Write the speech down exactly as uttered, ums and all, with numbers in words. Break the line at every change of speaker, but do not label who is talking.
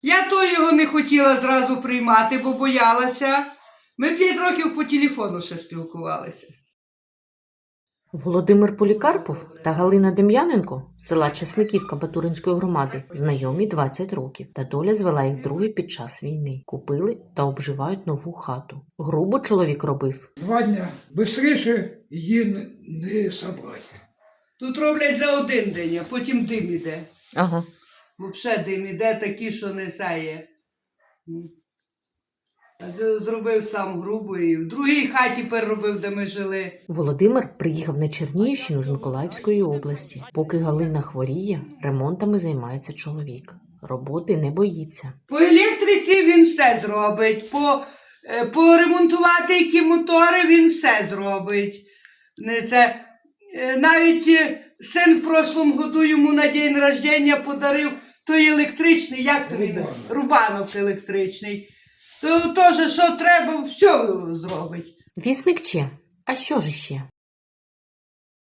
Я то його не хотіла зразу приймати, бо боялася. Ми п'ять років по телефону ще спілкувалися.
Володимир Полікарпов та Галина Дем'яненко з села Часниківка Батуринської громади знайомі двадцять років, та доля звела їх вдруге під час війни. Купили та обживають нову хату. Грубо чоловік робив.
Два дня. Бистріше її не, не собрати.
Тут роблять за один день, а потім дим іде.
Ага.
Взагалі дим іде такі, що не сяє. Зробив сам грубо і в другій хаті переробив, де ми жили.
Володимир приїхав на Чернігівщину з Миколаївської області. Поки Галина хворіє, ремонтами займається чоловік. Роботи не боїться.
По електриці він все зробить, по, е, поремонтувати які мотори він все зробить. Не це, е, навіть е, син в прошлому году йому на день рождення подарив той електричний, як то він?
Рубанов.
Рубанов електричний. То теж, що треба, все зробить.
Вісник че? А що ж іще?